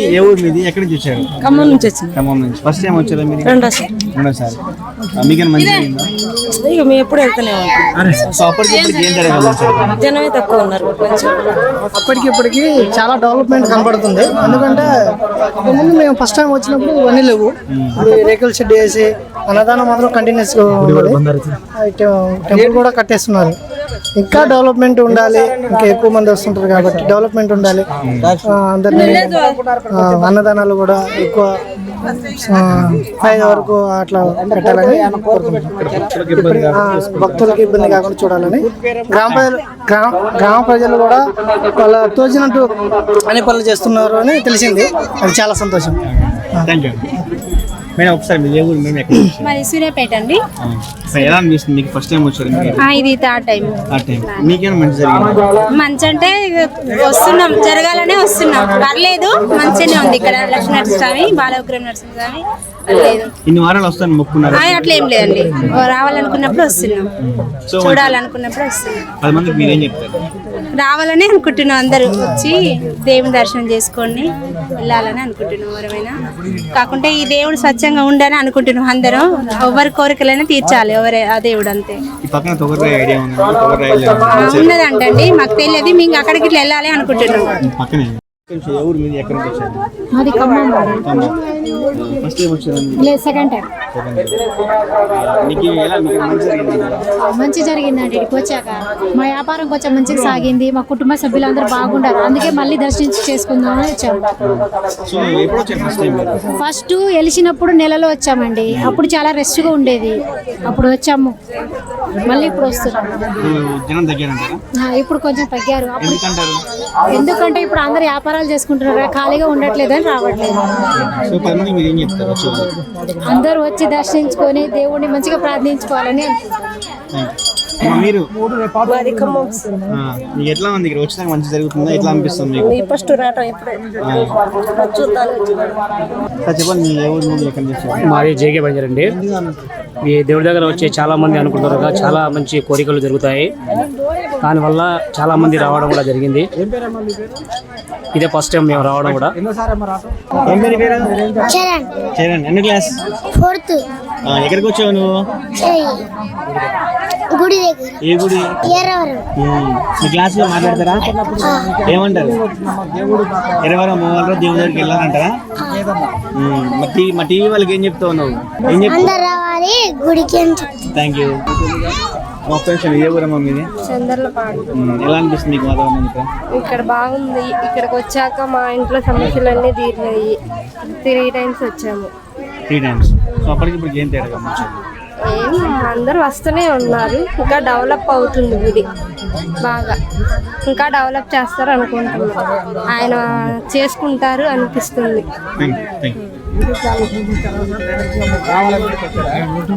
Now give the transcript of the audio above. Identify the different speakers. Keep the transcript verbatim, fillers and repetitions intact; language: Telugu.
Speaker 1: ఏ ఊరు మీది? ఎక్కడి నుంచి వచ్చారు?
Speaker 2: ఖమ్మం నుంచి వచ్చింది.
Speaker 1: ఖమ్మం నుంచి. ఫస్ట్ టైం వచ్చారా మీరు?
Speaker 2: రెండోసారి.
Speaker 1: రెండోసారి. మీకైనా మంచిగా అయిందా?
Speaker 2: ఇక మేము ఎప్పుడు వెళ్తూనే ఉంటాం.
Speaker 1: సో అప్పటికి ఇప్పటికి ఏం జరగదు?
Speaker 2: జనమే తక్కువ ఉన్నారు.
Speaker 3: అప్పటికి ఇప్పటికి చాలా డెవలప్మెంట్ కనబడుతుంది. ఎందుకంటే ముందు మేము ఫస్ట్ టైం వచ్చినప్పుడు ఇవన్నీ లేవు. రేకుల షెడ్ వేసి అన్నదానం మాత్రం కంటిన్యూస్ గా టెంపుల్ కూడా కట్టేస్తున్నారు. ఇంకా డెవలప్మెంట్ ఉండాలి, ఇంకా ఎక్కువ మంది వస్తుంటారు కాబట్టి డెవలప్మెంట్ ఉండాలి. అందరినీ అన్నదానాలు కూడా ఎక్కువ ఐదు వరకు అట్లా పెట్టాలని భక్తులకు ఇబ్బంది కాకుండా చూడాలని గ్రామ ప్రజలు గ్రామ గ్రామ ప్రజలు కూడా వాళ్ళ తోచినట్టు అన్ని పనులు చేస్తున్నారు అని తెలిసింది. అది చాలా సంతోషం.
Speaker 1: మేడం ఒకసారి మీరు ఏ ఊరు? మేము ఎక్కడ?
Speaker 4: మాది సూర్యాపేట అండి.
Speaker 1: ఎలా అనిపిస్తుంది మీకు ఫస్ట్ టైం వచ్చారు?
Speaker 4: ఇది థర్డ్ టైం.
Speaker 1: Third time. మీకేమైనా మంచి జరిగింది?
Speaker 4: మంచి అంటే వస్తున్నాం, జరగాలనే వస్తున్నాం. పర్లేదు, మంచిగానే ఉంది ఇక్కడ. లక్ష్మీ నరసింహస్వామి, బాలవిగ్రహం నరసింహస్వామి లేదు.
Speaker 1: ఇన్ని వారాలు వస్తాను మొక్కున్నారు?
Speaker 4: అట్లా ఏం లేదండి, రావాలనుకున్నప్పుడు వస్తున్నాం, చూడాలనుకున్నప్పుడు వస్తున్నాం.
Speaker 1: పది మందికి మీరేం చెప్తారు?
Speaker 4: రావాలని అనుకుంటున్నాం, అందరూ వచ్చి దేవుని దర్శనం చేసుకొని వెళ్ళాలని అనుకుంటున్నాం. ఎవరైనా కాకుంటే ఈ దేవుడు స్వచ్ఛంగా ఉండని అనుకుంటున్నాం. అందరం ఎవరి కోరికలైనా తీర్చాలి, ఎవరే ఆ దేవుడు అంతే. ఉన్నదంటండి, మాకు తెలియదు. మేము అక్కడికి ఇట్లా వెళ్ళాలి అనుకుంటున్నాం.
Speaker 5: సెకండ్ టైం మంచి జరిగిందండి. ఇక్కడికి వచ్చాక మా వ్యాపారం కొంచెం మంచిగా సాగింది. మా కుటుంబ సభ్యులందరూ బాగుండారు, అందుకే మళ్ళీ దర్శించి చేసుకుందామని వచ్చాము. ఫస్ట్ వెలిసినప్పుడు నెలలో వచ్చామండి, అప్పుడు చాలా రెస్ట్ గా ఉండేది. అప్పుడు వచ్చాము, మళ్ళీ ఇప్పుడు వస్తున్నాం. ఇప్పుడు కొంచెం తగ్గారు. ఎందుకంటే ఇప్పుడు అందరు వ్యాపారాలు చేసుకుంటున్నారు, ఖాళీగా ఉండట్లేదని రావట్లేదు. అందరూ వచ్చి దర్శించుకొని దేవుడిని మంచిగా ప్రార్థించుకోవాలని
Speaker 1: మీరు ఎట్లా ఉంది ఇక్కడ వచ్చినాక మంచి జరుగుతుందా? ఎట్లా అనిపిస్తుంది మీకు?
Speaker 2: ఫస్ట్ రావటం ఇప్పుడే
Speaker 1: చెప్పండి. మీ ఎవరు ముందు ఎక్కడ చేస్తారు?
Speaker 6: మాది జేకే బంజర్ అండి. ఈ దేవుడి దగ్గర వచ్చే చాలా మంది అనుకుంటారు కదా, చాలా మంచి కోరికలు జరుగుతాయి. దానివల్ల చాలా మంది రావడం కూడా జరిగింది. ఇదే ఫస్ట్ టైం మేము రావడం కూడా.
Speaker 1: ఎన్ని క్లాస్?
Speaker 7: ఫోర్త్.
Speaker 1: ఎక్కడికి వచ్చావు నువ్వు?
Speaker 7: గుడి దగ్గర.
Speaker 1: ఏ గుడి? మీ క్లాస్ లో మాట్లాడతారా? ఏమంటారు? ఎరవరం మూవల్లో దేవుడి దగ్గరికి వెళ్ళాలంటారా? మా టీవీ వాళ్ళకి ఏం చెప్తావు నువ్వు? ఏం చెప్తావు? Thank you. ఏ ఊరమ్మా మీది?
Speaker 2: చంద్రలపాడు.
Speaker 1: ఎలా అనిపిస్తుంది మీకు వాతావరణం ఇక్కడ?
Speaker 2: ఇక్కడ బాగుంది. ఇక్కడికి వచ్చాక మా ఇంట్లో సమస్యలన్నీ తీరినాయి. త్రీ టైమ్స్ వచ్చాము.
Speaker 1: Three times. సో అప్పటికి ఇప్పుడు ఏం తేడా?
Speaker 2: ఏం అందరూ వస్తూనే ఉన్నారు. ఇంకా డెవలప్ అవుతుంది గుడి బాగా, ఇంకా డెవలప్ చేస్తారు అనుకుంటున్నాం. ఆయన చేసుకుంటారు అనిపిస్తుంది.